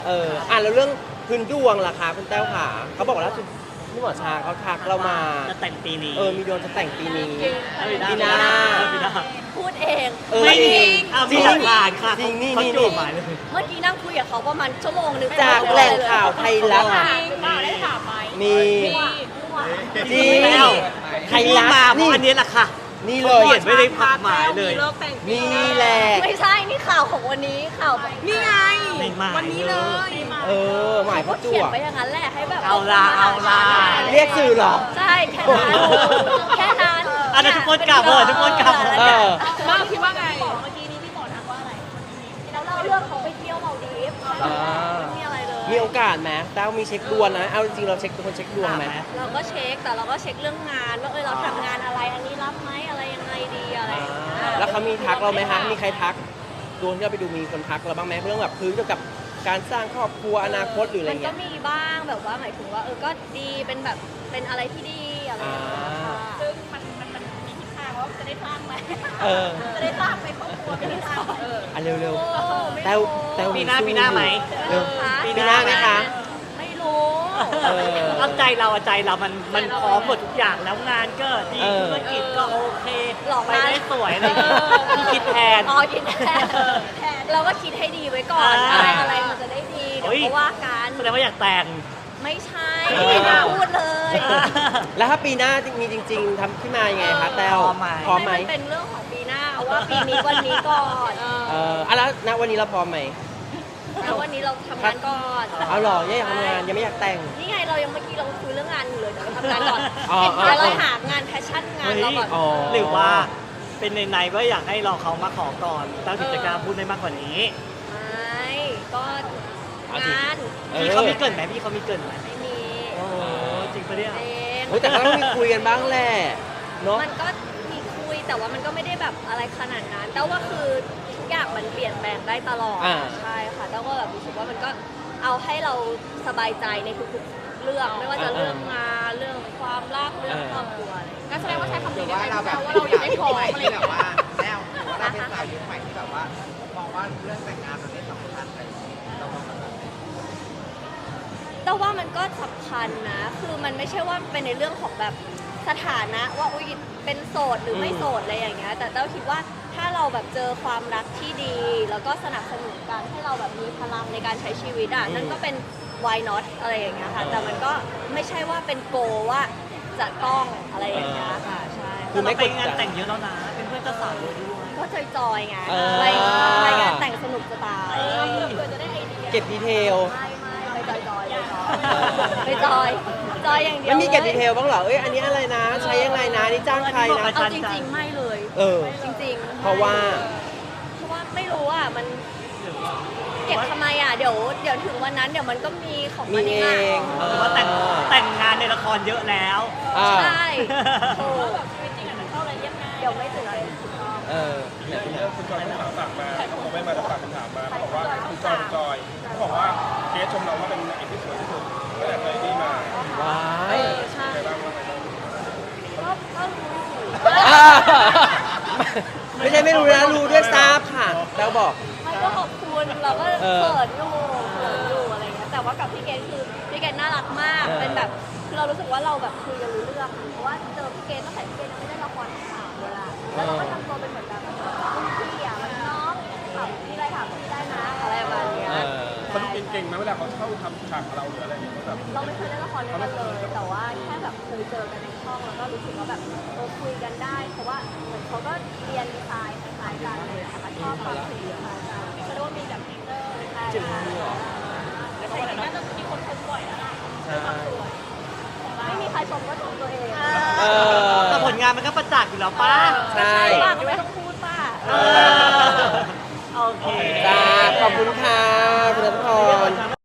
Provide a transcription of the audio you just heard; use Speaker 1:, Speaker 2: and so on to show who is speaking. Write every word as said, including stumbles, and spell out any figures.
Speaker 1: เอออ่ะแล้วเรื่องพื้นดวงล่ะคะคุณแต้วขาเขาบอกว่าล่าสุดพี่หมอชาเขาทักเรามา
Speaker 2: จะแต่งปีนี้
Speaker 1: เออมีดวงจะแต่งปีนี้
Speaker 2: ปีหน้าปีหน้า
Speaker 3: พูดเอง
Speaker 1: เออ
Speaker 3: ไม่จริง
Speaker 2: อ่ะมีหลักฐานค่ะ
Speaker 1: จริงนี่
Speaker 2: เขา
Speaker 1: นี่
Speaker 2: โจ
Speaker 1: นี่
Speaker 2: ทย์หมายเลย
Speaker 3: เมื่อกี้นั่งคุยกับเขาประมาณชั่วโมงนึง
Speaker 1: จากแหล่งข่าวไทยรัฐ
Speaker 3: มาได้ถามไหม
Speaker 1: มี จริง
Speaker 2: แล้ว
Speaker 1: ไทยรัฐ
Speaker 2: มาเพ
Speaker 1: นี่
Speaker 2: ราะอันนี้แหละค่ะ
Speaker 1: นี่เลย
Speaker 2: เขียนไว้ในผักหมายเลย
Speaker 1: นี่แหละ
Speaker 3: ไม่ใช่นี่ข่าวของวันนี้ข่าวนี่ไง
Speaker 2: ในหมาย
Speaker 3: วันนี้เลย
Speaker 1: เออหมาย
Speaker 3: เขา
Speaker 1: เขาจั่
Speaker 3: เขียน
Speaker 1: ว
Speaker 3: ไว้อย่างนั้นแหละให้แบบ
Speaker 2: เอาละเอาละ
Speaker 1: เรียกสื่อเหรอ
Speaker 3: ใช่แค่นั้นแค่นั้น
Speaker 2: อ่ะเดี๋ยวทุกคนกลับเถอะทุกคนกลับเถอะ
Speaker 1: เออ
Speaker 3: มาคิดว่าไงเมื่อกี้นี้พี่หมอทักว่าอะไรแล้วเราเลือกเขาไปเที่ยวมาดีฟ
Speaker 1: อ่า
Speaker 3: ไม่มีอะไรเลย
Speaker 1: มีโอกาสไหมแต้วมีเช็คดวงนะเอาจริงๆเราเช็คเป็นคนเช็คดวงไหม
Speaker 3: เราก็เช็คแต่เราก็เช็คเรื่องงานว่าเออเราทำงานอะไรอันนี้รับไหมอะไรยังไงดีอะไรอย่างเงี้ย
Speaker 1: แล้วเขามีทักเราไหมคะมีใครทักดวงที่เราไปดูมีคนทักเราบ้างไหมเรื่องแบบพื้นเกี่ยวกับการสร้างครอบครัวอนาคตหรืออะไร
Speaker 3: มันก็
Speaker 1: เงี้ย
Speaker 3: มีบ้างแบบว่าหมายถึงว่าเออก็ดีเป็นแบบเป็นอะไรที่ดีอะไรอย่างเงี้ยค่ะ
Speaker 4: ซึ่งมันมันมันมีทิศทางว่าจะได้สร้างไหม
Speaker 1: เออ
Speaker 4: จะได้สร้างในครอบครัวไม่ได้สร้างเออ
Speaker 1: อ่ะเร็ว
Speaker 3: โอ้
Speaker 1: ๆ
Speaker 3: ไม่
Speaker 1: แต้ว
Speaker 3: รู้
Speaker 1: แต้ว
Speaker 2: ปีหน้า
Speaker 1: สู้
Speaker 2: ปีหน้าไหม
Speaker 1: เร็ว
Speaker 3: คะ
Speaker 1: ปีหน้าไหมคะ
Speaker 3: ไม่รู้
Speaker 1: เออ
Speaker 2: เอาใจเราอะใจเรามันมันพร้อมหมดทุกอย่างแล้วงานก็ดี
Speaker 1: เออ
Speaker 2: ธุรกิจก็โอเค
Speaker 3: หลอก
Speaker 2: ไป
Speaker 3: มา
Speaker 2: ได้สวยอะไรอย่างเงี้ยพี่คิดแทน
Speaker 3: อ๋อคิดแทนแทนเราก็คิดให้ดีไว้ก่อน
Speaker 2: อ่า
Speaker 3: อะไรอะไรมันจะได้ดีเดี๋ยว
Speaker 2: เฮ้ย
Speaker 3: เขาว่ากัน
Speaker 2: แสดงว่าอยากแต่ง
Speaker 3: ไม่ใช่
Speaker 1: เออ
Speaker 3: ไม่น่าพูดเลย
Speaker 1: แล้วถ้าปีหน้ามีจริง ๆทำขึ้นมายังไงคะแต้ว
Speaker 2: พร้อมไหม
Speaker 1: พร้อมไหม
Speaker 3: ให้มันเป็นเรื่องของปีหน้าเอาว่าปีนี้วันนี้ก่อน
Speaker 1: เอออ่ะแล้วณวันนี้เราพร้อมไหม
Speaker 3: แล้ววันนี้เราทำงานก่อน
Speaker 1: เอาหรอยังอยากทำงานยังไม่อยากแต่ง
Speaker 3: นี่ไงเรายังเมื่อกี้เราคุยเรื่องงานอยู่เลยเดี๋ยวเราทำงานก่อน
Speaker 1: อ๋ออ๋อ
Speaker 3: เดี๋ยวเราหางานแพชชั่นงานเราก่อน
Speaker 1: อ๋อ
Speaker 2: หรือว่าเป็นในในๆว่าอยากให้เราเขามาขอก่อนตั้งกิจกรรมพูดได้มากกว่านี้
Speaker 3: ไม่ก็งาน
Speaker 1: เออ
Speaker 2: พี่เขามีเกรินไหมพี่เขามีเกรินไหม
Speaker 3: ไม่มี
Speaker 2: โอ้จริงปะเนี่ย
Speaker 3: เอง
Speaker 1: โอ้ยแต่ก็ต้องมีคุยกันบ้างแหละเนาะ
Speaker 3: มันก็มีคุยแต่ว่ามันก็ไม่ได้แบบอะไรขนาดนั้นแต่ว่าคือทุกอย่างมันเปลี่ยนแปลงได้ตลอด
Speaker 1: อ่า
Speaker 3: ใช่ค่ะแต่ก็แบบรู้สึกว่ามันก็เอาให้เราสบายใจในทุกๆเรื่องไม่ว่าจะเรื่องงานเรื่องความรักเรื่องครอบครัวอะไรอย่างเงี้ย
Speaker 4: งั้นแสดงว่าใช้คำนี้ได้ไหม
Speaker 5: เราแบบ
Speaker 4: ว่าเรายังไม่พร้อม
Speaker 5: ใหม่
Speaker 4: อะไรอ
Speaker 5: ที่
Speaker 4: ย่าง
Speaker 5: แบบ
Speaker 4: เงี้ย
Speaker 5: ว่าแต้วหรือว่าเราเป็นสาวยุคใหม่ที่แบบว่ามองว่าเรื่องแต่งงานมันไม่สำคัญแต่เรามองแบบนั้น
Speaker 3: แต่ว่ามันก็สำคัญนะ คือมันไม่ใช่ว่าเป็นในเรื่องของแบบสถานะว่าอุ้ยเป็นโสดหรือไม่โสดอะไรอย่างเงี้ย แต่เต้าคิดว่าถ้าเราแบบเจอความรักที่ดี แล้วก็สนับสนุนกันให้เราแบบมีพลังในการใช้ชีวิตอ่ะ นั่นก็เป็น why not อะไรอย่างเงี้ยค่ะ แต่มันก็ไม่ใช่ว่าเป็นโกว่าจะต้องอะไรอย่างเงี้ยค่ะ ใช่
Speaker 1: คือ
Speaker 2: เรา
Speaker 1: ไม่
Speaker 2: ไป
Speaker 1: กด
Speaker 2: งาน
Speaker 1: ดัน
Speaker 2: แต่งเยอะแล้วนะ เป็นเพื่อนเจ้าสาวเยอะด้วย
Speaker 3: ก็จอยๆไง
Speaker 1: เออ
Speaker 3: ไปไปงานแต่งสนุกจะตาย
Speaker 4: เพื่อจะได้ไอเดีย
Speaker 1: เก็บดีเทล
Speaker 3: ไม่ไม่ไปจอยๆไปจอยๆไปจอยจอยอย่างเดียว
Speaker 1: ไม่มีเก็บ
Speaker 3: ล
Speaker 1: ดี
Speaker 3: ย
Speaker 1: เทลบ้างเหรอเอ้ยอันนี้อะไรนะ ใช้ยังไงนะนี่จ้างใครนะ
Speaker 3: เอาจริงๆ ไม่เลย
Speaker 1: เออ
Speaker 3: จริงๆ
Speaker 1: เพราะว่า
Speaker 3: เพราะว่าไม่รู้อ่ะมันเก็บทำไมอ่ะเดี๋ยวเดี๋ยวถึงวันนั้นเดี๋ยวมันก็มีของ
Speaker 1: มี
Speaker 3: มัน
Speaker 1: เอ
Speaker 3: เอง
Speaker 1: ง
Speaker 3: อ่ะ
Speaker 2: หรือว่าแต่งแต่งงานในละครเยอะแล้ว
Speaker 1: อ่า
Speaker 3: ใช่ถูก
Speaker 4: แบบชีวิตจริงอะมันเข้าอะไรเรียบง่าย
Speaker 3: เดี๋ยวไม่ตื่นเต้นถูกต้อง
Speaker 1: เออเนี่ย
Speaker 6: เรื่องคุณจอยคุณถามฝากมาเขาไม่มาแต่ฝากคำถามมาเขาบอกว่าคุณจอยคุณจอยเขาบอกว่าเคสชมเราว่าเป็นนางเอกที่สวยที่สุดตั้งแต่เคยที่มา
Speaker 1: ว้า
Speaker 3: เอย อใช่
Speaker 6: ใครบ้างว่าไงบ้าง
Speaker 3: ก็ก็รู้อยู่
Speaker 1: อ่าไม่ใช่ไม่รู้นะรู้ด้วยทราบค่ะแล้วบอก
Speaker 3: มันก็ขอบคุณเราก็
Speaker 1: เออ
Speaker 3: เปิดอยู่เปิดอยู่อะไรเงี้ยแต่ว่ากับพี่เกดคือพี่เกดน่ารักมาก
Speaker 1: เออ
Speaker 3: เป็นแบบคือเรารู้สึกว่าเราแบบคุยกันรู้เรื่องอะเพราะว่าเจอพี่เกดตั้งแต่พี่เกดยังไม่ได้ละครสามเวลาแล้วเราก็ทำตัวเป็นเหมือนแบบรุ่นพี่อะมันน้องถามพี่ได้ถามพี่ได้นะอะไรประมาณเนี้ย
Speaker 1: เออ
Speaker 6: เขาดูเก่งๆไหมเวลาเขาเข้าทำฉากกับเราหรืออะไรอย่างเงี้ยแบบ
Speaker 3: เราไม่เคยเล่นละครด้วยกันเลย แต่ว่าแค่แบบเคยเจอกันในช่องแล้วก็รู้สึกว่าแบบเออคุยกันได้ เพราะว่าเหมือนเขาก็เรียนดีไซน์คล้ายๆกันเลยนะคะชอบความคุยคล้ายกันแสดงว่ามีแบบเตอร์ใช่
Speaker 1: จริงเหรอ
Speaker 4: แต่เขาบอกน่าจะมีคนชมบ่อยแล้วล่ะ
Speaker 1: ใช่
Speaker 3: ไม่มีใครชมก็ชมตัวเอง
Speaker 1: เออ
Speaker 2: แต่ผลงานมันก็ประจักษ์อยู่แล้วป้า
Speaker 1: ใช่
Speaker 3: ป้าก็ไม่ต้องพูดป้า
Speaker 2: เออโอเค
Speaker 1: จ้าขอบคุณค่ะคุณรัตพร